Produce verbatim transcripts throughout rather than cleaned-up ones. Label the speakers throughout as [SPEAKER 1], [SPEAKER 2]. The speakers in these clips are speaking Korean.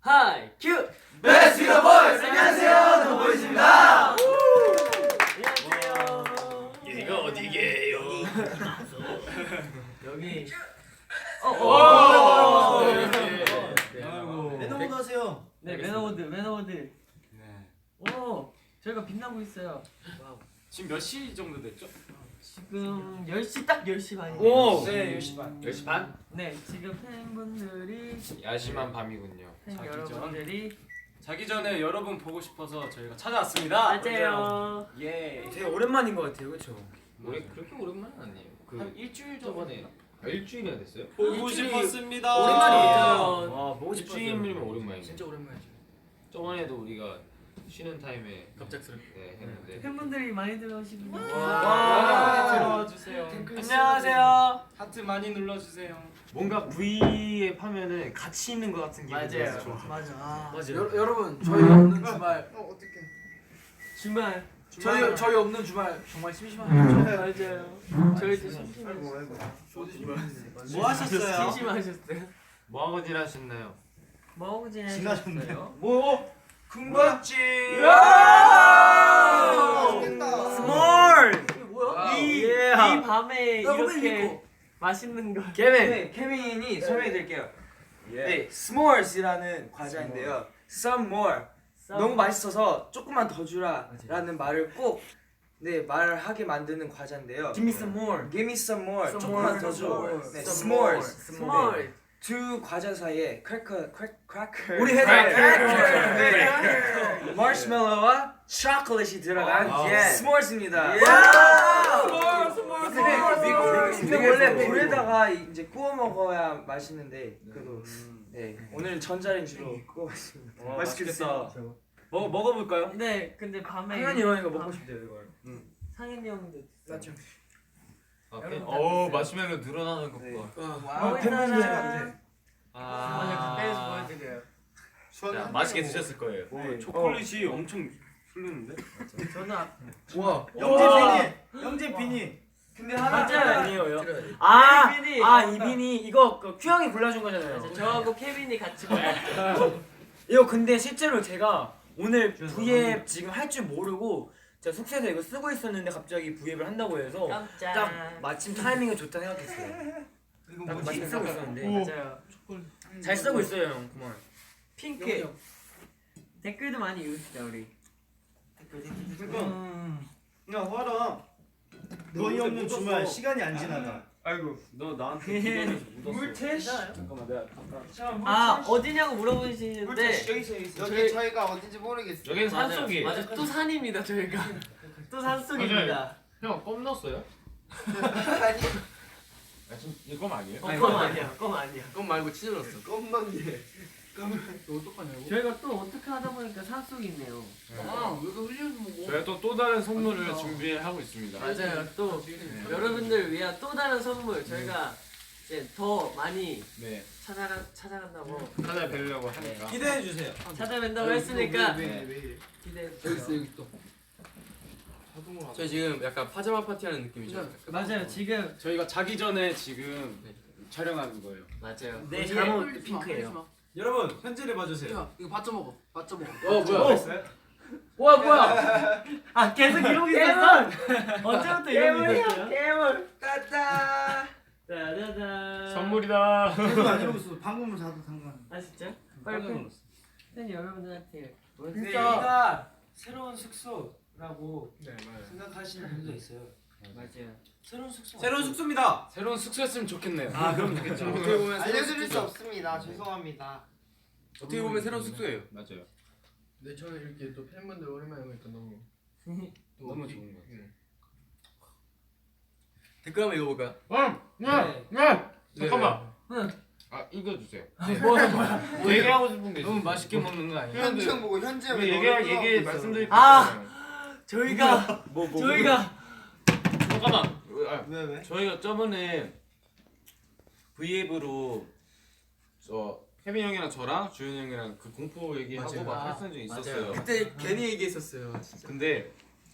[SPEAKER 1] 하이 큐!
[SPEAKER 2] 베스트 더 보이즈! 안녕하세요, 더 보이즈입니다.
[SPEAKER 1] 안녕하세요.
[SPEAKER 3] 여기가 어디게요?
[SPEAKER 1] 여기
[SPEAKER 3] 오!
[SPEAKER 2] 매너모드 하세요.
[SPEAKER 1] 네 매너워드 매너워드. 네. 오 저희가 빛나고 있어요. 와우.
[SPEAKER 3] 지금 몇 시 정도 됐죠?
[SPEAKER 1] 지금 열 시 딱 열 시 반이에요.
[SPEAKER 3] 오!
[SPEAKER 2] 네, 열 시 반.
[SPEAKER 3] 열 시 반?
[SPEAKER 1] 네 지금 팬분들이
[SPEAKER 3] 야심한 밤이군요.
[SPEAKER 1] 팬
[SPEAKER 3] 자기
[SPEAKER 1] 여러분들이
[SPEAKER 3] 자기 전에 여러분 보고 싶어서 저희가 찾아왔습니다.
[SPEAKER 1] 맞아요.
[SPEAKER 3] 예.
[SPEAKER 2] 되게 오랜만인 것 같아요, 그렇죠?
[SPEAKER 3] 우리 그렇게 오랜만은 아니에요. 그
[SPEAKER 1] 한 일주일
[SPEAKER 3] 저번에 아, 일주일이나 됐어요?
[SPEAKER 2] 보고
[SPEAKER 3] 싶었습니다.
[SPEAKER 2] 오랜만이에요.
[SPEAKER 1] 와
[SPEAKER 2] 보고 싶었어요.
[SPEAKER 3] 일주일이면 오랜만이죠.
[SPEAKER 2] 진짜 오랜만이죠.
[SPEAKER 3] 저번에도 우리가 쉬는 타임에
[SPEAKER 2] 갑작스럽게.
[SPEAKER 3] 네, 했는데
[SPEAKER 1] 팬분들이 많이 들어오시고
[SPEAKER 3] 와,
[SPEAKER 2] 들어와
[SPEAKER 3] 주세요.
[SPEAKER 1] 안녕하세요.
[SPEAKER 3] 하트 많이 눌러주세요.
[SPEAKER 4] 뭔가 V에 하면은 같이 있는 것 같은 기분이
[SPEAKER 1] 맞아요.
[SPEAKER 4] 들어서 좋아.
[SPEAKER 1] 맞아. 아,
[SPEAKER 2] 맞아요. 여, 여러분, 저희 없는 주말. 어, 어떡해.
[SPEAKER 1] 주말.
[SPEAKER 2] 저희 저희 없는 주말 정말 심심하죠.
[SPEAKER 1] 맞아요. 저희도 심심해요.
[SPEAKER 2] 뭐 하셨어요?
[SPEAKER 1] 심심하셨어요?
[SPEAKER 4] 뭐 하고 지나셨나요?
[SPEAKER 1] 뭐 하고 지내셨어요?
[SPEAKER 2] 뭐? 군밤집.
[SPEAKER 1] 스몰.
[SPEAKER 2] 뭐야?
[SPEAKER 1] 이,
[SPEAKER 2] 예.
[SPEAKER 1] 이 밤에
[SPEAKER 2] 나 오늘
[SPEAKER 1] 이렇게
[SPEAKER 2] 입고.
[SPEAKER 1] 맛있는 거.
[SPEAKER 5] 케빈! 네, 케빈이 설명해드릴게요.
[SPEAKER 2] 예.
[SPEAKER 5] 네, s'mores이라는 과자인데요. Some more. 너무 맛있어서 조금만 더 주라 라는 말을 꼭 네, 말을 하게 만드는 과자인데요.
[SPEAKER 1] Give me some more.
[SPEAKER 5] Give me some more.
[SPEAKER 1] Some
[SPEAKER 5] 조금만
[SPEAKER 1] more,
[SPEAKER 5] 더
[SPEAKER 1] some
[SPEAKER 5] 줘.
[SPEAKER 1] more.
[SPEAKER 5] 네,
[SPEAKER 1] Some
[SPEAKER 5] s'mores.
[SPEAKER 1] 스몰.
[SPEAKER 5] 네. 두 과자 사이에 크래커, 크래, 크래커.
[SPEAKER 2] 우리 회사
[SPEAKER 5] 네. 마시멜로와 초콜릿이 들어간
[SPEAKER 2] 아,
[SPEAKER 5] 예.
[SPEAKER 2] 예.
[SPEAKER 5] s'mores입니다. 근데,
[SPEAKER 2] 미국,
[SPEAKER 5] 근데
[SPEAKER 2] 미국,
[SPEAKER 5] 원래
[SPEAKER 2] 미국.
[SPEAKER 5] 불에다가 이제 구워 먹어야 맛있는데 그래도 네 오늘은 전자레인지로 구워봤습니다.
[SPEAKER 2] 와,
[SPEAKER 5] 맛있겠다.
[SPEAKER 2] 먹 먹어볼까요?
[SPEAKER 1] 근데 근데 밤에
[SPEAKER 5] 상현이 형이가 먹고
[SPEAKER 1] 밤-
[SPEAKER 5] 싶대요 이걸.
[SPEAKER 1] 상현이 형도
[SPEAKER 5] 맞죠?
[SPEAKER 4] 아,
[SPEAKER 1] 여러분 다
[SPEAKER 4] 오
[SPEAKER 1] 드세요.
[SPEAKER 4] 마시멜로 늘어나는 것
[SPEAKER 5] 네.
[SPEAKER 4] 봐.
[SPEAKER 1] 와우.
[SPEAKER 5] 팬분들
[SPEAKER 1] 아, 가까이서 보여드려요.
[SPEAKER 4] 자, 맛있게 드셨을 거예요.
[SPEAKER 5] 네.
[SPEAKER 3] 초콜릿이 엄청 흐르는데?
[SPEAKER 1] 저는 아-
[SPEAKER 2] 와,
[SPEAKER 5] 영재
[SPEAKER 2] 비니, 영재 비니.
[SPEAKER 5] 근데 하나
[SPEAKER 1] 맞아요.
[SPEAKER 5] 아니에요.
[SPEAKER 1] 아, 케빈이.
[SPEAKER 5] 아 이빈이 이거 그 큐 형이 골라준 거잖아요.
[SPEAKER 1] 맞아, 저하고 케빈이 같이 먹었죠.
[SPEAKER 5] 이거 근데 실제로 제가 오늘 V앱 지금 할 줄 모르고 제가 숙소에서 이거 쓰고 있었는데 갑자기 V앱을 한다고 해서
[SPEAKER 1] 깜짝.
[SPEAKER 5] 딱 마침 타이밍이 좋다 생각했어요. 딱 마침 쓰고 있었는데
[SPEAKER 1] 맞아요.
[SPEAKER 5] 잘 쓰고 있어요 형. 그만.
[SPEAKER 1] 핑크. 댓글도 많이 읽읍시다 우리.
[SPEAKER 2] 야, 화라. 너희 없는 주말 시간이 안 지나가.
[SPEAKER 3] 아이고 너 나한테 기다려서 묻었어. 잠깐만 내가 잠깐.
[SPEAKER 1] 아 어디냐고 물어보시는데
[SPEAKER 5] 여기 있어 여기 있어.
[SPEAKER 6] 여기 저희가 어딘지 모르겠어요.
[SPEAKER 4] 여기는
[SPEAKER 1] 맞아요.
[SPEAKER 4] 산속이에요.
[SPEAKER 1] 맞아 또 산입니다 저희가. 또 산속입니다.
[SPEAKER 4] 형, 껌 넣었어요?
[SPEAKER 6] 아니
[SPEAKER 4] 아, 지금 이거 아니에요?
[SPEAKER 1] 어, 껌 아니야 껌 아니야.
[SPEAKER 6] 그건 말고 치즈 넣었어. 껌만 게.
[SPEAKER 1] 저희가 또 어떻게 하다 보니까 산속이 있네요.
[SPEAKER 6] 아 여기 흘려서 먹어.
[SPEAKER 4] 저희가 또 또 다른 선물을 준비하고 있습니다.
[SPEAKER 1] 맞아요. 또 여러분들 위한 또 다른 선물 저희가 이제 더 많이
[SPEAKER 4] 네,
[SPEAKER 1] 찾아가 찾아간다고
[SPEAKER 4] 찾아뵈려고 하니까.
[SPEAKER 2] 기대해 주세요.
[SPEAKER 1] 찾아뵌다고 했으니까
[SPEAKER 4] 네.
[SPEAKER 1] 기대해
[SPEAKER 6] 여기 있어
[SPEAKER 1] 주세요.
[SPEAKER 6] 여기 또. 저희 지금 약간 파자마 파티하는 느낌이죠.
[SPEAKER 1] 맞아요. 지금
[SPEAKER 3] 저희가 자기 전에 지금 촬영하는 거예요.
[SPEAKER 1] 맞아요.
[SPEAKER 5] 내
[SPEAKER 1] 이게
[SPEAKER 5] 잠옷 핑크예요.
[SPEAKER 2] 여러분, 현재를 봐주세요.
[SPEAKER 6] 야 이거 받쳐 먹어. 받쳐 먹어.
[SPEAKER 3] 어 뭐야?
[SPEAKER 1] 뭐야 뭐야? 아 계속 이러고 있었어? 언제부터 이러고 있었어요?
[SPEAKER 5] 깨물 따따.
[SPEAKER 1] 짜자잔.
[SPEAKER 4] 선물이다.
[SPEAKER 2] 계속 안 이러고 있어. 방금은 자도 상관.
[SPEAKER 1] 아 진짜? 빨리 팬, 팬 여러분들한테
[SPEAKER 5] 근데
[SPEAKER 1] 진짜
[SPEAKER 5] 여기가 새로운 숙소라고
[SPEAKER 6] 네 맞아요.
[SPEAKER 5] 생각하시는 분도 있어요.
[SPEAKER 1] 맞아요.
[SPEAKER 5] 새로운 숙소.
[SPEAKER 2] 새로운 숙소입니다.
[SPEAKER 3] 새로운 숙소였으면 좋겠네요.
[SPEAKER 2] 아, 그럼 좋겠죠.
[SPEAKER 6] 어떻게 보면 새로운 알려드릴 수 숙소죠. 없습니다. 죄송합니다. 어떻게 보면 새로운 숙소예요.
[SPEAKER 4] 맞아요.
[SPEAKER 6] 네 저는 이렇게 또 팬분들 오랜만에 보니까 너무
[SPEAKER 3] 너무 좋은 거 같아요.
[SPEAKER 6] 댓글 한번 읽어볼까요?
[SPEAKER 4] 응, 네, 네. 잠깐만. 아, 이거 주세요.
[SPEAKER 1] 뭐야 뭐야?
[SPEAKER 4] 얘기하고 싶은 게 있어요.
[SPEAKER 3] 너무 맛있게 먹는 거 아니야?
[SPEAKER 6] 현지 형 보고 현지 형
[SPEAKER 4] 얘기 얘기 말씀드릴 게
[SPEAKER 1] 아!
[SPEAKER 4] 있어요.
[SPEAKER 1] 저희가
[SPEAKER 4] 뭐, 뭐,
[SPEAKER 1] 저희가
[SPEAKER 4] 잠깐만. 아,
[SPEAKER 2] 왜 왜?
[SPEAKER 4] 저희가 저번에 V앱으로 저 케빈 형이랑 저랑 주현 형이랑 그 공포 얘기하고
[SPEAKER 6] 맞아요.
[SPEAKER 4] 막
[SPEAKER 1] 아,
[SPEAKER 4] 했던 적이 있었어요.
[SPEAKER 6] 그때 괜히 얘기했었어요. 진짜.
[SPEAKER 4] 근데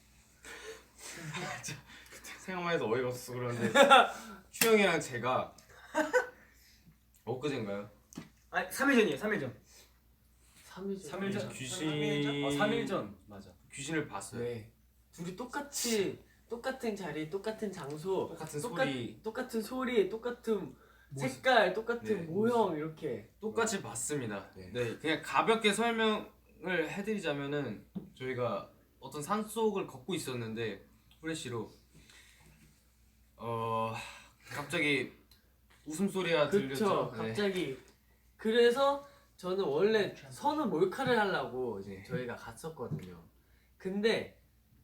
[SPEAKER 4] 생각만 해도 어이가 없어서 그러는데 추 형이랑 제가 엊그제인가요?
[SPEAKER 5] 아니 삼 일 전이에요. 삼 일 전.
[SPEAKER 1] 삼 일 전.
[SPEAKER 3] 삼 일 전.
[SPEAKER 4] 귀신
[SPEAKER 3] 어, 삼 일 전 맞아.
[SPEAKER 4] 귀신을 봤어요.
[SPEAKER 1] 네. 둘이 똑같이 똑같은 자리, 똑같은 장소,
[SPEAKER 4] 똑같은
[SPEAKER 1] 똑같-
[SPEAKER 4] 소리
[SPEAKER 1] 똑같은 소리, 똑같은 색깔, 똑같은
[SPEAKER 4] 네.
[SPEAKER 1] 모형 이렇게.
[SPEAKER 4] 똑같이 봤습니다.
[SPEAKER 5] 네.
[SPEAKER 4] 네. 그냥 가볍게 설명을 해드리자면은 저희가 어떤 산 속을 걷고 있었는데 후레쉬로 어 갑자기 웃음소리가
[SPEAKER 1] 그쵸.
[SPEAKER 4] 들렸죠. 네.
[SPEAKER 1] 갑자기. 그래서 저는 원래 선우 몰카를 하려고 이제
[SPEAKER 4] 네.
[SPEAKER 1] 저희가 갔었거든요. 근데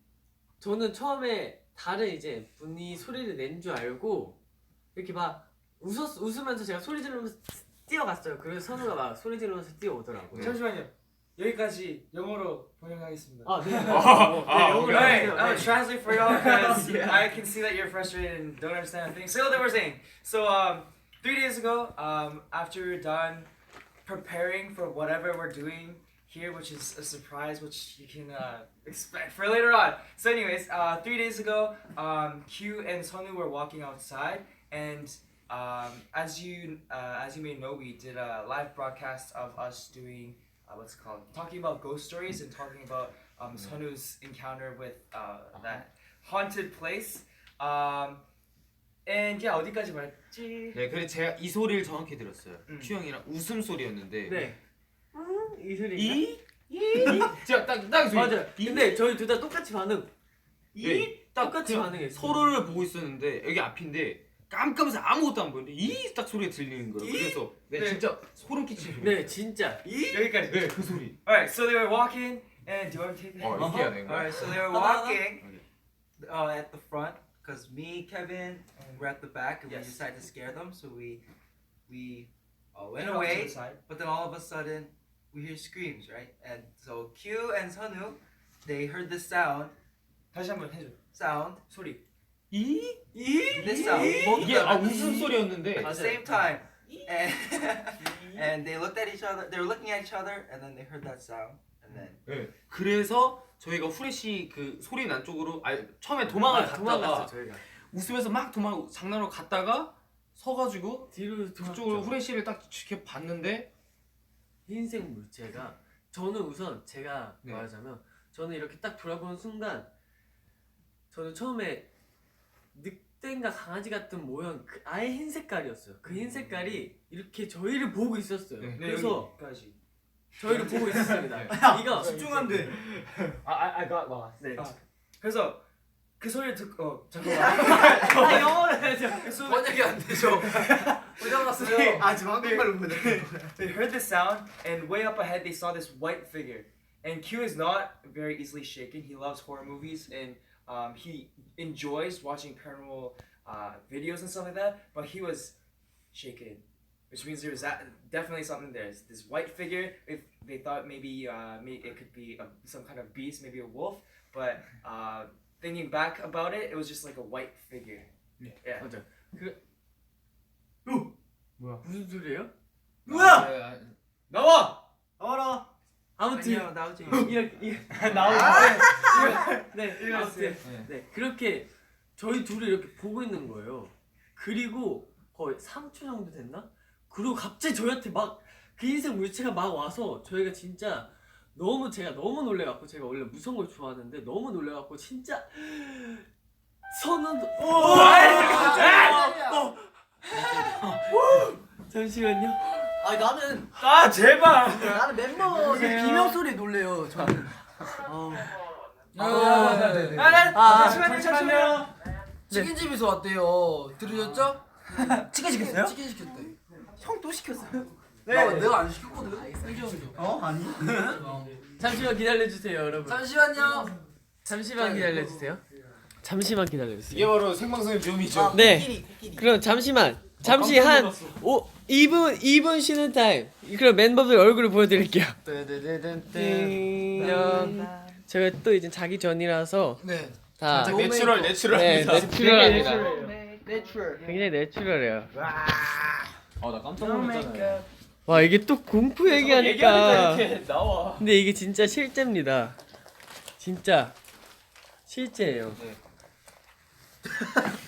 [SPEAKER 1] 저는 처음에 다른 이제 분이 소리를 낸 줄 알고 이렇게 막 웃었 웃으면서 제가 소리 지르면서 뛰어갔어요. 그래서 선우가 막 소리 지르면서 뛰어오더라고요.
[SPEAKER 4] 네.
[SPEAKER 5] 잠시만요. 여기까지 영어로 번역하겠습니다.
[SPEAKER 1] 아 네.
[SPEAKER 4] 아,
[SPEAKER 1] 네, 영어로
[SPEAKER 5] Right,
[SPEAKER 1] 하세요.
[SPEAKER 5] I'm gonna
[SPEAKER 1] 네.
[SPEAKER 5] translate for y'all because I can see that you're frustrated and don't understand a thing. So what they were saying. So um, three days ago, um, after we're done preparing for whatever we're doing here, which is a surprise, which you can uh, expect for later on. So anyways, uh, three days ago, um, Q and Sonu were walking outside, and um, as you uh, as you may know, we did a live broadcast of us doing. Uh, what's it called? Talking about ghost stories and talking about um, Sonu's encounter with uh, that haunted place. Um, and yeah, 어디까지 말했지?
[SPEAKER 4] 네, 그래서 제가 이 소리를 정확히 들었어요.
[SPEAKER 5] 음.
[SPEAKER 4] 큐 형이랑 웃음 소리였는데
[SPEAKER 1] 네. 음, 이 소리.
[SPEAKER 4] 이? 제가 딱딱 소리.
[SPEAKER 1] 맞아. 근데 저희 둘 다 똑같이 반응.
[SPEAKER 4] 네, 딱
[SPEAKER 1] 똑같이
[SPEAKER 4] 그냥
[SPEAKER 1] 반응했어.
[SPEAKER 4] 서로를 보고 있었는데 여기 앞인데 깜깜해서 아무것도 안 보이는데 이 딱 소리가 들리는 거예요. 그래서 네,
[SPEAKER 5] 네.
[SPEAKER 4] 진짜 소름 끼치는 소리.
[SPEAKER 1] 네, 진짜.
[SPEAKER 5] 여기까지.
[SPEAKER 4] 네, 그 소리.
[SPEAKER 5] Alright, so they were walking, and do you want to take it?
[SPEAKER 4] 어, 이렇게 해야 되는 거야?
[SPEAKER 7] Alright, so they were walking uh, at the front because me, Kevin, were at the back and
[SPEAKER 5] Yes.
[SPEAKER 7] we decided to scare them. So we we uh, went
[SPEAKER 5] And off to
[SPEAKER 7] away,
[SPEAKER 5] the side.
[SPEAKER 7] but then all of a sudden we hear screams, right? And so Q and Sonu, they heard this sound,
[SPEAKER 5] 다시 한번 해줘.
[SPEAKER 7] sound,
[SPEAKER 5] 소리.
[SPEAKER 4] 이?
[SPEAKER 7] this sound, both of
[SPEAKER 4] 이게 아
[SPEAKER 7] them
[SPEAKER 4] 웃음 소리였는데
[SPEAKER 7] at the same time, and and they looked at each other. They were looking at each other, and then they heard that sound, and then
[SPEAKER 4] 네. 그래서 저희가 후레쉬 그 소리 난 쪽으로 아 처음에 도망을
[SPEAKER 1] 아,
[SPEAKER 4] 갔다가
[SPEAKER 1] 도망갔어 저희가.
[SPEAKER 4] 웃으면서 막 도망 장난으로 갔다가 서가지고
[SPEAKER 1] 뒤로
[SPEAKER 4] 그쪽으로
[SPEAKER 1] 도망갔죠.
[SPEAKER 4] 후레쉬를 딱 지켜봤는데
[SPEAKER 1] 흰색 물체가 저는 우선 제가
[SPEAKER 4] 네.
[SPEAKER 1] 말하자면 저는 이렇게 딱 돌아보는 순간 저는 처음에 늑대인가 강아지 같은 모형 그 아예 흰 색깔이었어요. 그 흰 색깔이 이렇게 저희를 보고 있었어요.
[SPEAKER 4] 네.
[SPEAKER 1] 그래서
[SPEAKER 5] 여기까지.
[SPEAKER 1] 저희를 보고 있었습니다.
[SPEAKER 4] 네.
[SPEAKER 1] 이거
[SPEAKER 2] 집중한데.
[SPEAKER 3] I I, I got lost.
[SPEAKER 1] 네.
[SPEAKER 5] 아, 그래서 그 소리를 듣고 어 잠깐만.
[SPEAKER 1] 아, 영어로 해야죠.
[SPEAKER 5] 그 소리. 번역이 안 되죠.
[SPEAKER 7] 어디
[SPEAKER 5] 아 지금 한국말로 보내. They heard the sound, and way up ahead they saw this white figure. And Q is not very easily shaken. He loves horror movies, and um, he enjoys watching paranormal uh, videos and stuff like that. But he was shaken, which means there was that, definitely something there. It's this white figure. If they thought maybe uh, maybe it could be a, some kind of beast, maybe a wolf, but uh, thinking back about it, it was just like a white figure.
[SPEAKER 4] Yeah.
[SPEAKER 5] Yeah.
[SPEAKER 1] 맞아. 그
[SPEAKER 3] 뭐야?
[SPEAKER 1] 무슨 소리예요?
[SPEAKER 5] 뭐야?
[SPEAKER 4] 네, 아,
[SPEAKER 5] 나와!
[SPEAKER 2] 나와라.
[SPEAKER 1] 아무튼
[SPEAKER 7] 아니요, 나오지.
[SPEAKER 1] 이렇게 이-
[SPEAKER 5] 나와!
[SPEAKER 1] 네,
[SPEAKER 5] 이거
[SPEAKER 1] 아무튼
[SPEAKER 4] 네.
[SPEAKER 1] 네 그렇게 저희 둘이 이렇게 보고 있는 거예요. 그리고 거의 삼 초 정도 됐나? 그리고 갑자기 저희한테 막 그 흰색 물체가 막 와서 저희가 진짜 너무 제가 너무 놀래갖고 제가 원래 무서운 걸 좋아하는데 너무 놀래갖고 진짜 선은 잠시만요.
[SPEAKER 6] 아 나는
[SPEAKER 5] 아 제발!
[SPEAKER 6] 나는 멤버들 비명 소리 놀래요. 저는. 어.
[SPEAKER 5] 아,
[SPEAKER 6] 아,
[SPEAKER 5] 잠시만요, 잠시만요.
[SPEAKER 6] 치킨집에서 왔대요. 들으셨죠?
[SPEAKER 2] 치킨 시켰어요?
[SPEAKER 6] 치킨 시켰대. 형 또 시켰어요?
[SPEAKER 5] 네.
[SPEAKER 6] 나 내가 안 시켰거든.
[SPEAKER 2] 어 아니.
[SPEAKER 1] 잠시만 기다려주세요, 여러분.
[SPEAKER 6] 잠시만요.
[SPEAKER 1] 잠시만 기다려주세요. 잠시만 기다려주세요.
[SPEAKER 4] 이게 바로 생방송의 묘미죠.
[SPEAKER 1] 네.
[SPEAKER 6] 코끼리 코끼리.
[SPEAKER 1] 그럼 잠시만 잠시 한 오, 이 분 이 분 쉬는 타임. 그럼 멤버들 얼굴을 보여드릴게요. 띵. 제가 또 이제 자기 전이라서
[SPEAKER 6] 네.
[SPEAKER 1] 다
[SPEAKER 4] 살짝 내추럴
[SPEAKER 1] 네,
[SPEAKER 4] 내추럴합니다.
[SPEAKER 1] 내추럴합니다.
[SPEAKER 6] 내추럴.
[SPEAKER 1] 굉장히 내추럴해요.
[SPEAKER 3] 아나 깜짝 놀랐잖아요.
[SPEAKER 1] 와 이게 또 공포 얘기하니까.
[SPEAKER 3] 이렇게 나와.
[SPEAKER 1] 근데 이게 진짜 실제입니다. 진짜 실제예요.
[SPEAKER 4] 네.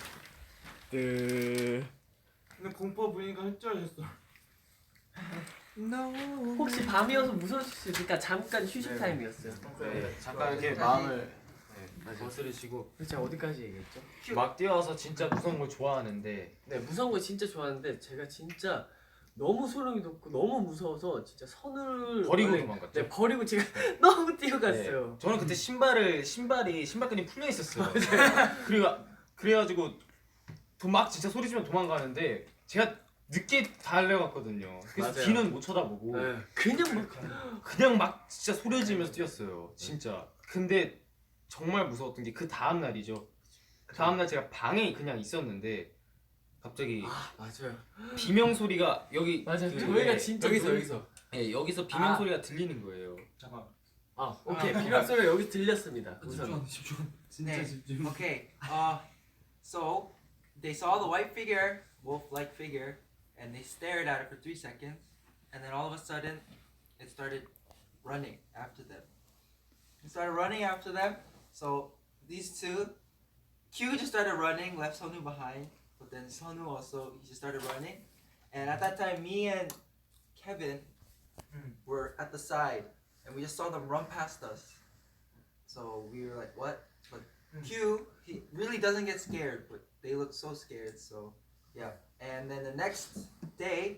[SPEAKER 1] 그
[SPEAKER 2] 근데 공포 보니까 흡절했어.
[SPEAKER 1] 혹시 밤이어서 무서울 수 있으니까 잠깐 휴식
[SPEAKER 4] 네.
[SPEAKER 1] 타임이었어요.
[SPEAKER 4] 네, 잠깐 이렇게 마음을 네, 거스르시고
[SPEAKER 1] 제가 어디까지 얘기했죠?
[SPEAKER 4] 막 뛰어서 진짜 무서운 걸 좋아하는데
[SPEAKER 1] 네, 무서운 거 진짜 좋아하는데 제가 진짜 너무 소름이 돋고 너무 무서워서 진짜 선을
[SPEAKER 4] 버리고
[SPEAKER 1] 원래-
[SPEAKER 4] 도망갔죠.
[SPEAKER 1] 네, 버리고 제가 너무 뛰어갔어요.
[SPEAKER 4] 네. 저는 그때 신발을 신발이 신발끈이 풀려 있었어요. 그리고 그래가지고 도- 막 진짜 소리 지면 도망가는데 제가 늦게 달려갔거든요. 그래서
[SPEAKER 1] 맞아요.
[SPEAKER 4] 뒤는 못 쳐다보고
[SPEAKER 1] 네, 그냥 막
[SPEAKER 4] 그냥 막 진짜 소리 지면서 뛰었어요. 진짜. 근데 정말 무서웠던 게 그 다음 날이죠. 그 다음 날 제가 방에 그냥 있었는데 갑자기
[SPEAKER 1] 아, 맞아요.
[SPEAKER 4] 비명 소리가 여기
[SPEAKER 1] 맞아요.
[SPEAKER 4] 그-
[SPEAKER 1] 저희가
[SPEAKER 4] 네,
[SPEAKER 1] 진짜
[SPEAKER 3] 여기서
[SPEAKER 1] 눈-
[SPEAKER 3] 여기서.
[SPEAKER 4] 네, 여기서 비명
[SPEAKER 1] 아.
[SPEAKER 4] 소리가 들리는 거예요.
[SPEAKER 3] 잠깐.
[SPEAKER 1] 아, 오케이. 비명 소리가 여기 들렸습니다. 우선.
[SPEAKER 3] 집중.
[SPEAKER 7] 네. Okay. Uh, so they saw the white figure, wolf-like figure, and they stared at it for three seconds, and then all of a sudden, it started running after them. It started running after them. So these two, Q just started running, left Sonu behind, but then Sonu also he just started running, and at that time, me and Kevin were at the side, and we just saw them run past us. So we were like, "What?" But Q, he really doesn't get scared, but they look so scared. So yeah. And then the next day,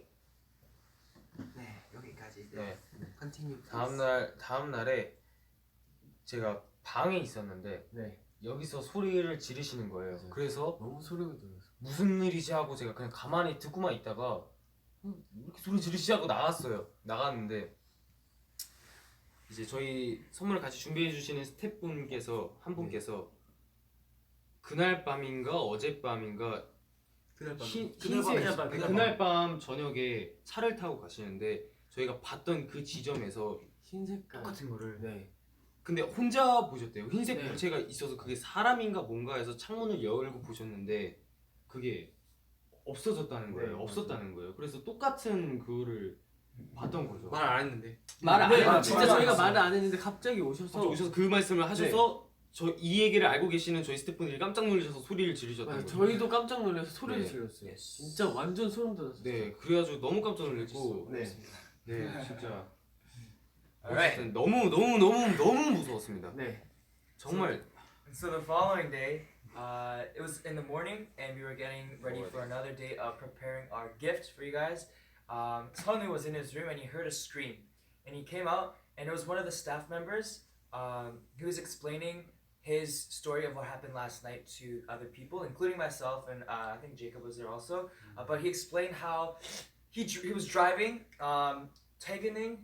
[SPEAKER 7] 네 여기까지.
[SPEAKER 4] 네.
[SPEAKER 7] Continue. please.
[SPEAKER 4] 다음 날 다음 날에 제가 방에 있었는데
[SPEAKER 1] 네.
[SPEAKER 4] 여기서 소리를 지르시는 거예요.
[SPEAKER 1] 맞아요.
[SPEAKER 4] 그래서
[SPEAKER 1] 너무 소름이 돋았어.
[SPEAKER 4] 무슨 일이지 하고 제가 그냥 가만히 듣고만 있다가 음, 왜 이렇게 소리 지르시 하고 나갔어요. 나갔는데 이제 저희 선물을 같이 준비해 주시는 스태프분께서 한 분께서 그날 밤인가 어젯밤인가
[SPEAKER 3] 그날 밤.
[SPEAKER 4] 흰,
[SPEAKER 1] 그날 밤,
[SPEAKER 4] 흰색
[SPEAKER 1] 그날 밤,
[SPEAKER 4] 그날,
[SPEAKER 1] 그날
[SPEAKER 4] 밤 저녁에 차를 타고 가시는데 저희가 봤던 그 지점에서
[SPEAKER 1] 흰 색깔.
[SPEAKER 4] 똑같은 거를
[SPEAKER 1] 네.
[SPEAKER 4] 근데 혼자 보셨대요. 흰색
[SPEAKER 1] 네.
[SPEAKER 4] 물체가 있어서 그게 사람인가 뭔가 해서 창문을 열고 보셨는데 그게 없어졌다는 거예요.
[SPEAKER 1] 네,
[SPEAKER 4] 없었다는 거예요. 그래서 똑같은 그거를 봤던 거죠.
[SPEAKER 3] 말 안 했는데.
[SPEAKER 4] 말 안
[SPEAKER 1] 네,
[SPEAKER 4] 해요.
[SPEAKER 1] 진짜
[SPEAKER 4] 말
[SPEAKER 1] 저희가
[SPEAKER 4] 안
[SPEAKER 1] 말을 안 했는데 갑자기 오셔서
[SPEAKER 4] 갑자기 오셔서 그 말씀을 하셔서 저 이 얘기를 알고 계시는 저희 스태프분들이 깜짝 놀라셔서 소리를 지르셨던
[SPEAKER 1] 맞아요.
[SPEAKER 4] 거예요.
[SPEAKER 1] 저희도 깜짝 놀라서 소리를
[SPEAKER 4] 네.
[SPEAKER 1] 질렀어요. 진짜 완전 소름 돋았어요.
[SPEAKER 4] 네, 그래가지고 너무 깜짝 놀랐고
[SPEAKER 1] 네.
[SPEAKER 4] 네, 진짜
[SPEAKER 5] Alright.
[SPEAKER 4] 어쨌든 너무 너무 너무 너무 무서웠습니다.
[SPEAKER 1] 네.
[SPEAKER 4] 정말
[SPEAKER 5] So the following day, uh, it was in the morning, and we were getting ready for another day of preparing our gift for you guys. Um, Sonu was in his room and he heard a scream, and he came out, and it was one of the staff members. Um, he was explaining his story of what happened last night to other people, including myself, and uh, I think Jacob was there also. Uh, but he explained how he dr- he was driving. Um, Teganing,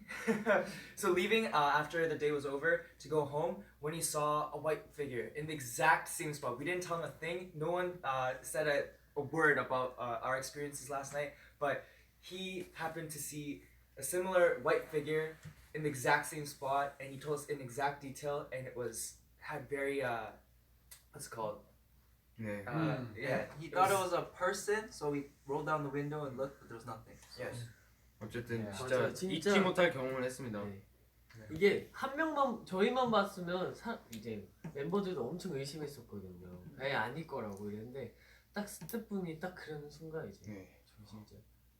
[SPEAKER 5] so leaving uh, after the day was over to go home when he saw a white figure in the exact same spot. We didn't tell him a thing. No one uh, said a, a word about uh, our experiences last night, but he happened to see a similar white figure in the exact same spot, and he told us in exact detail, and it was had very uh, what's it called?
[SPEAKER 4] 네.
[SPEAKER 5] Uh,
[SPEAKER 7] Yeah.
[SPEAKER 5] Yeah,
[SPEAKER 7] He thought it was a person, so we rolled down the window and looked, but there was nothing.
[SPEAKER 5] yes.
[SPEAKER 4] 어쨌든
[SPEAKER 1] 네,
[SPEAKER 4] 진짜,
[SPEAKER 1] 맞아요. 진짜-
[SPEAKER 4] 잊지 못할 경험을 했습니다.
[SPEAKER 1] 네. 이게 한 명만 저희만 봤으면 사, 이제 멤버들도 엄청 의심했었거든요. 아예 아닐 거라고 이랬는데 딱 스태프분이 딱 그러는 순간 이제
[SPEAKER 4] 네.
[SPEAKER 1] 저 진짜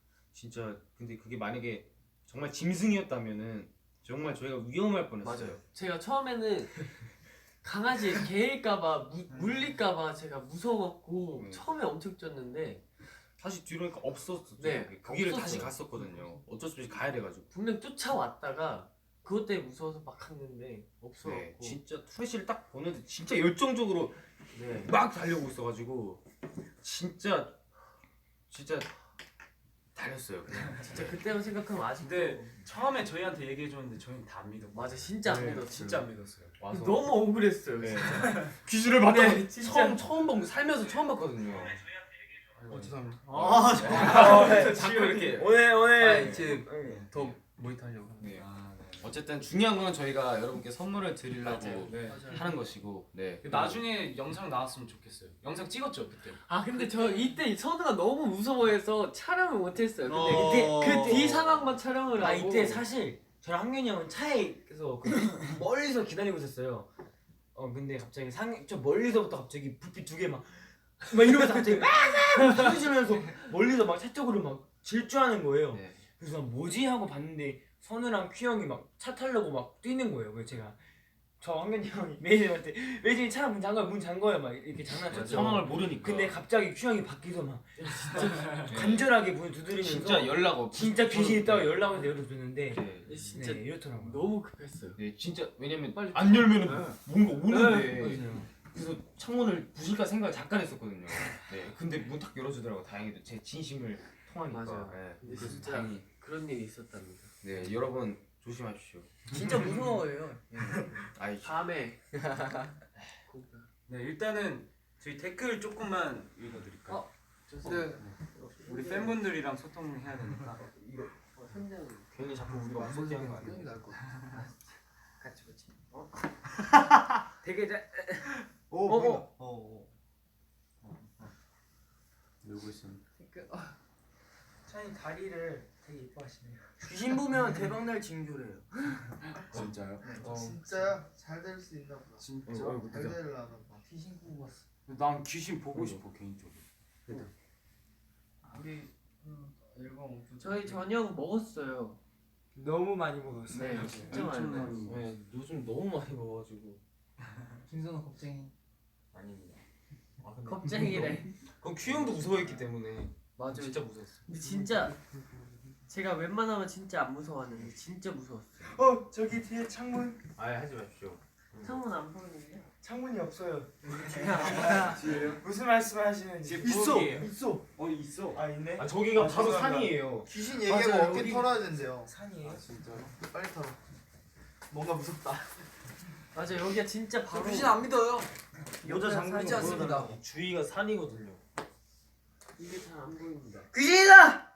[SPEAKER 4] 진짜 근데 그게 만약에 정말 짐승이었다면은 정말 저희가 위험할 뻔했어요.
[SPEAKER 1] 맞아요. 제가 처음에는 강아지 개일까봐 무- 물릴까봐 제가 무서웠고
[SPEAKER 4] 네.
[SPEAKER 1] 처음에 엄청 쪘는데
[SPEAKER 4] 다시 뒤로 오니까 없었죠.
[SPEAKER 1] 네,
[SPEAKER 4] 그 길을
[SPEAKER 1] 없었어요.
[SPEAKER 4] 다시 갔었거든요. 어쩔 수 없이 가야 돼가지고.
[SPEAKER 1] 분명 쫓아왔다가 그것 때문에 무서워서 막 갔는데 없어갖고
[SPEAKER 4] 네, 진짜 투레시를 딱 보는데 진짜 열정적으로
[SPEAKER 1] 네.
[SPEAKER 4] 막 달려오고 있어가지고 진짜 진짜 달렸어요. 그냥.
[SPEAKER 1] 진짜 그때만 생각하면 아직도
[SPEAKER 3] 근데 처음에 저희한테 얘기해 줬는데 저희는 다 안 믿었고.
[SPEAKER 1] 맞아 진짜 안
[SPEAKER 4] 네,
[SPEAKER 1] 믿었어요.
[SPEAKER 3] 진짜 안 믿었어요.
[SPEAKER 4] 와서
[SPEAKER 1] 너무 억울했어요.
[SPEAKER 4] 네.
[SPEAKER 1] 진짜.
[SPEAKER 4] 귀신을 봤다.
[SPEAKER 1] 네, 진짜.
[SPEAKER 4] 처음 처음 본 살면서 처음 봤거든요.
[SPEAKER 3] 어 죄송합니다.
[SPEAKER 1] 아,
[SPEAKER 4] 자꾸 이렇게.
[SPEAKER 3] 오늘 오늘
[SPEAKER 4] 아,
[SPEAKER 3] 이제 더 모니터 하려고.
[SPEAKER 4] 네.
[SPEAKER 3] 아, 네.
[SPEAKER 4] 어쨌든 중요한 건 저희가 여러분께 선물을 드리려고
[SPEAKER 3] 네.
[SPEAKER 4] 하는 것이고, 네.
[SPEAKER 3] 나중에 영상 나왔으면 좋겠어요. 영상 찍었죠 그때.
[SPEAKER 1] 아 근데 저 이때 선우가 너무 무서워해서 촬영을 못했어요. 근데
[SPEAKER 3] 어.
[SPEAKER 1] 이때 그 뒤 상황만 촬영을
[SPEAKER 8] 아
[SPEAKER 1] 하고
[SPEAKER 8] 이때 사실 저랑 학년이 형은 차에서 그 멀리서 기다리고 있었어요. 어 근데 갑자기 상 저 멀리서부터 갑자기 불빛 두 개 막 막 이러면서 갑자기 막 소리 지르면서 멀리서 막 차 쪽으로 막 질주하는 거예요.
[SPEAKER 4] 네.
[SPEAKER 8] 그래서 뭐지 하고 봤는데 선우랑 퀴 형이 막 차 타려고 막 뛰는 거예요. 그래서 제가 저 황현이 형이 매니저한테 매니저이 차 문 잠궈요 문 잠궈요 막 이렇게 장난쳤죠.
[SPEAKER 2] 상황을 모르니까.
[SPEAKER 8] 근데 갑자기 퀴 형이 밖에서 막 진짜 간절하게 문을 두드리면서
[SPEAKER 4] 진짜 연락 없.
[SPEAKER 8] 진짜 귀신 있다고 연락을 열어줬는데
[SPEAKER 4] 네.
[SPEAKER 1] 진짜
[SPEAKER 8] 네, 이렇더라고요.
[SPEAKER 1] 너무 급했어요.
[SPEAKER 4] 네 진짜 왜냐면
[SPEAKER 1] 빨리
[SPEAKER 4] 안 열면은 뭔가 오는데.
[SPEAKER 8] 네, 맞아요.
[SPEAKER 4] 그래서 창문을 부실까 생각을 잠깐 했었거든요. 네. 근데 문 딱 열어주더라고. 다행히도 제 진심을 통하니까.
[SPEAKER 1] 맞아요.
[SPEAKER 4] 네.
[SPEAKER 1] 근데
[SPEAKER 4] 그래서
[SPEAKER 1] 진짜
[SPEAKER 4] 다행히.
[SPEAKER 1] 그런 일이 있었답니다.
[SPEAKER 4] 네 여러분 조심하십시오.
[SPEAKER 6] 진짜 무서워요.
[SPEAKER 4] 아이
[SPEAKER 1] 다음에
[SPEAKER 2] 네 일단은 저희 댓글 조금만 읽어드릴까요?
[SPEAKER 1] 어,
[SPEAKER 6] 네.
[SPEAKER 2] 우리 팬분들이랑 소통해야 되니까.
[SPEAKER 1] 이거 어, 현장
[SPEAKER 4] 괜히 자꾸 우리가 무섭게 하는 거 아니야?
[SPEAKER 6] 형이 나을 것 같아.
[SPEAKER 1] 같이 같이. 어? 되게 잘.
[SPEAKER 2] 오
[SPEAKER 1] 어,
[SPEAKER 2] 보인다. 어, 어. 어, 어. 놀고 있습니다.
[SPEAKER 6] 찬이 다리를 되게 이뻐하시네요.
[SPEAKER 1] 귀신 보면 대박 날 징조래요.
[SPEAKER 2] 진짜요?
[SPEAKER 6] 어. 진짜야? 잘 될 수 있나 보다.
[SPEAKER 2] 진짜?
[SPEAKER 6] 잘 되려나 봐. 귀신 뽑았어.
[SPEAKER 2] 난 귀신 보고 싶어 개인적으로.
[SPEAKER 6] 우리 음, 앨범 엄청
[SPEAKER 1] 저희 저녁 먹었어요.
[SPEAKER 6] 너무 많이 먹었어요.
[SPEAKER 1] 네, 진짜 많이 먹었어요.
[SPEAKER 4] 네 요즘 너무 많이 먹어가지고.
[SPEAKER 6] 김선호 겁쟁이.
[SPEAKER 4] 아닙니다. 아, 근데
[SPEAKER 1] 겁쟁이래.
[SPEAKER 4] 그건 큐 형도 무서워했기 때문에.
[SPEAKER 1] 맞아요.
[SPEAKER 4] 진짜 무서웠어.
[SPEAKER 1] 근데 진짜 제가 웬만하면 진짜 안 무서웠는데 진짜 무서웠어요.
[SPEAKER 6] 어 저기 뒤에 창문.
[SPEAKER 4] 아예 하지 마십시오.
[SPEAKER 1] 창문 안 보이는데요?
[SPEAKER 6] 창문이 없어요.
[SPEAKER 1] 뒤에요?
[SPEAKER 6] 무슨 말씀하시는지.
[SPEAKER 2] 있어,
[SPEAKER 6] 있어.
[SPEAKER 2] 어 있어.
[SPEAKER 6] 아 있네.
[SPEAKER 4] 아 저기가
[SPEAKER 2] 아,
[SPEAKER 4] 바로
[SPEAKER 2] 죄송합니다.
[SPEAKER 4] 산이에요.
[SPEAKER 6] 귀신
[SPEAKER 1] 맞아요,
[SPEAKER 6] 얘기하고 어깨
[SPEAKER 1] 우리-
[SPEAKER 6] 털어야 된대요.
[SPEAKER 2] 산이에요? 진짜로?
[SPEAKER 6] 빨리 털어. 뭔가 무섭다.
[SPEAKER 1] 맞아 여기가 진짜 바로
[SPEAKER 6] 안 믿어요.
[SPEAKER 2] 모자 잠그는
[SPEAKER 6] 살지
[SPEAKER 2] 거
[SPEAKER 6] 않습니다.
[SPEAKER 2] 보여달라고.
[SPEAKER 4] 주위가 산이거든요.
[SPEAKER 1] 이게 잘 안 보입니다.
[SPEAKER 6] 귀신이다.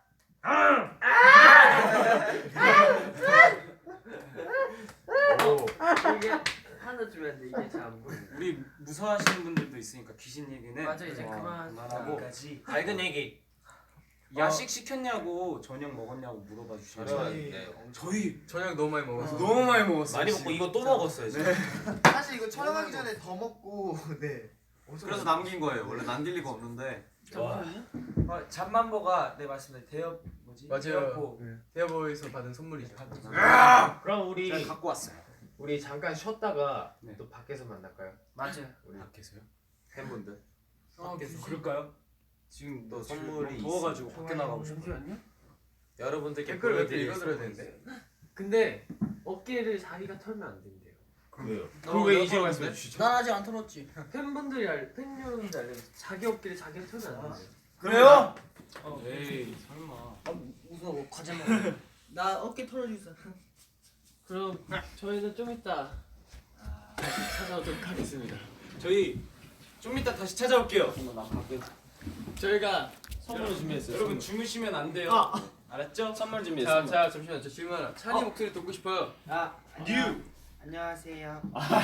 [SPEAKER 4] 오.
[SPEAKER 1] 이게 하나 주면 돼 이게 잘 안 보입니다.
[SPEAKER 2] 우리 무서워하시는 분들도 있으니까 귀신 얘기는
[SPEAKER 1] 맞아, 이제
[SPEAKER 2] 어,
[SPEAKER 1] 그만.
[SPEAKER 2] 그만하고
[SPEAKER 6] 여기까지.
[SPEAKER 2] 밝은 얘기. 야식 시켰냐고 저녁 먹었냐고 물어봐 주시면
[SPEAKER 6] 저희-
[SPEAKER 4] 네.
[SPEAKER 2] 저희
[SPEAKER 3] 저녁 너무 많이 먹었어.
[SPEAKER 2] 너무 많이 먹었어요.
[SPEAKER 4] 많이 먹고 이거 또 먹었어요. 지금.
[SPEAKER 6] 사실 이거 촬영하기 전에 더 먹고 네. 엄청
[SPEAKER 3] 그래서 남긴 거예요. 원래 남길 리가 없는데.
[SPEAKER 1] 잠시만요.
[SPEAKER 6] 어, 잠만보가 네 맞습니다. 대엽 뭐지?
[SPEAKER 3] 맞아요.
[SPEAKER 6] 대엽보.
[SPEAKER 3] 대어보에서 받은 선물이죠.
[SPEAKER 4] 그럼 우리
[SPEAKER 2] 제가 갖고 왔어요.
[SPEAKER 4] 우리 잠깐 쉬었다가
[SPEAKER 2] 네.
[SPEAKER 4] 또 밖에서 만날까요?
[SPEAKER 1] 맞아요.
[SPEAKER 4] 우리
[SPEAKER 2] 밖에서요?
[SPEAKER 4] 팬분들.
[SPEAKER 1] 어, 귀신.
[SPEAKER 2] 그럴까요?
[SPEAKER 4] 지금 또
[SPEAKER 2] 지금
[SPEAKER 4] 선물이
[SPEAKER 2] 너무 더워가지고
[SPEAKER 4] 있으니까.
[SPEAKER 2] 밖에 나가고 싶어요.
[SPEAKER 1] 잠시만요.
[SPEAKER 4] 여러분들께
[SPEAKER 3] 댓글 왜
[SPEAKER 4] 보여드릴
[SPEAKER 3] 읽어드려야
[SPEAKER 4] 선물이
[SPEAKER 3] 되는데?
[SPEAKER 1] 근데 어깨를 자기가 털면 안 된대요.
[SPEAKER 4] 왜요?
[SPEAKER 3] 그걸 왜 이제 말씀해 주시죠?
[SPEAKER 6] 난 아직 안 털었지.
[SPEAKER 1] 팬분들이 알, 팬 여러분들 알려 자기 어깨를 자기가 털면 안 된대요.
[SPEAKER 6] 그래요?
[SPEAKER 2] 에이 설마.
[SPEAKER 6] 무서워. 과자 먹어. 나 어깨 털어주세요.
[SPEAKER 1] 그럼 저희는 좀 이따 다시 찾아오도록 하겠습니다.
[SPEAKER 2] 저희 좀 이따 다시 찾아올게요.
[SPEAKER 1] 저희가
[SPEAKER 4] 선물을 준비했어요.
[SPEAKER 2] 여러분 주무시면 안 돼요. 알았죠? 선물
[SPEAKER 3] 자,
[SPEAKER 2] 준비했습니다.
[SPEAKER 3] 자 잠시만 저 질문 하나. 찬이 목소리 듣고 싶어요.
[SPEAKER 6] 아
[SPEAKER 2] 뉴.
[SPEAKER 6] 안녕하세요.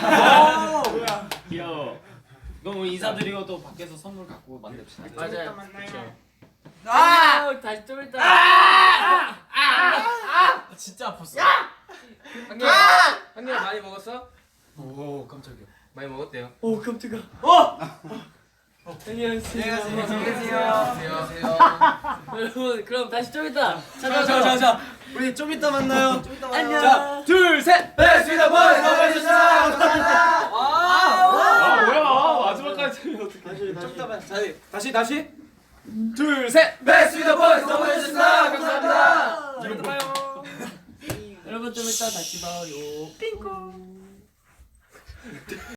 [SPEAKER 4] 귀여워. 그럼 우리 인사드리고 또 밖에서 선물 갖고 만납시다.
[SPEAKER 1] 맞아요.
[SPEAKER 6] 만나요.
[SPEAKER 1] 아! 다시 좀 이따.
[SPEAKER 3] 진짜 아팠어. 한 개. 한 개 많이 먹었어? 오 깜짝이야. 많이 먹었대요.
[SPEAKER 1] 오 깜짝아. 어! 안녕하세요.
[SPEAKER 6] 안녕하세요.
[SPEAKER 3] 안녕하세요.
[SPEAKER 1] 여러분 그럼 다시 좀 이따
[SPEAKER 2] 자,
[SPEAKER 1] 찾아오도록.
[SPEAKER 2] 자, 자, 자. 우리 좀 이따 만나요.
[SPEAKER 1] 안녕.
[SPEAKER 2] 자, 둘, 셋. 베스트 보이스 감사합니다.
[SPEAKER 4] 아 뭐야? 마지막까지 어떻게?
[SPEAKER 2] 좀 이따 봐. 다시, 다시, 다시. 둘, 셋. 베스트 보이스 감사합니다. 감사합니다.
[SPEAKER 1] 좀 이따 봐요. 여러분 좀 이따 다시 봐요. 삥콩.